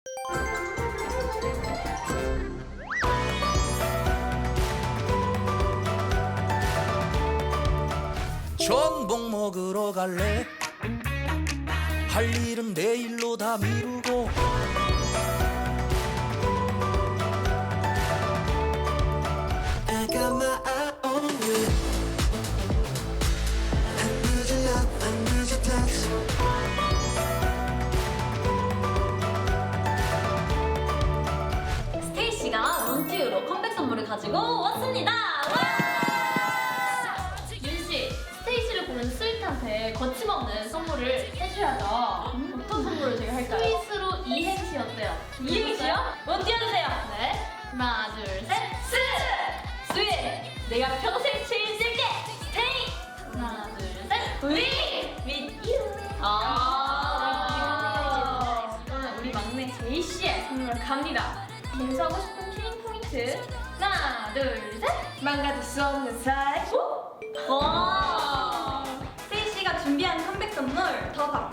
전복 먹으러 갈래? 할 일은 내일로 다 미루고 I got my eye on you. I need your love, I need your touch. 스테이시가 런투유로 컴백 선물을 가지고 왔습니다. 와! 윤씨, 스테이시를 보는 스윗한테 거침없는 선물을 해줘야죠. 어떤 선물을 제가 할까요? 스윗으로 이행시 어때요? 이행시요? 띄워주세요. 네. 하나, 둘, 셋. 스! 스윗! 내가 평생 책임질게! 스테이! 하나, 둘, 셋. 위! With you! 그러면 우리 막내 제이씨의 선물 갑니다. 갱수하고 싶은 킬링 포인트. 하나, 둘, 셋. 망가질 수 없는 사이. 와! 스테이씨가 준비한 컴백 선물 더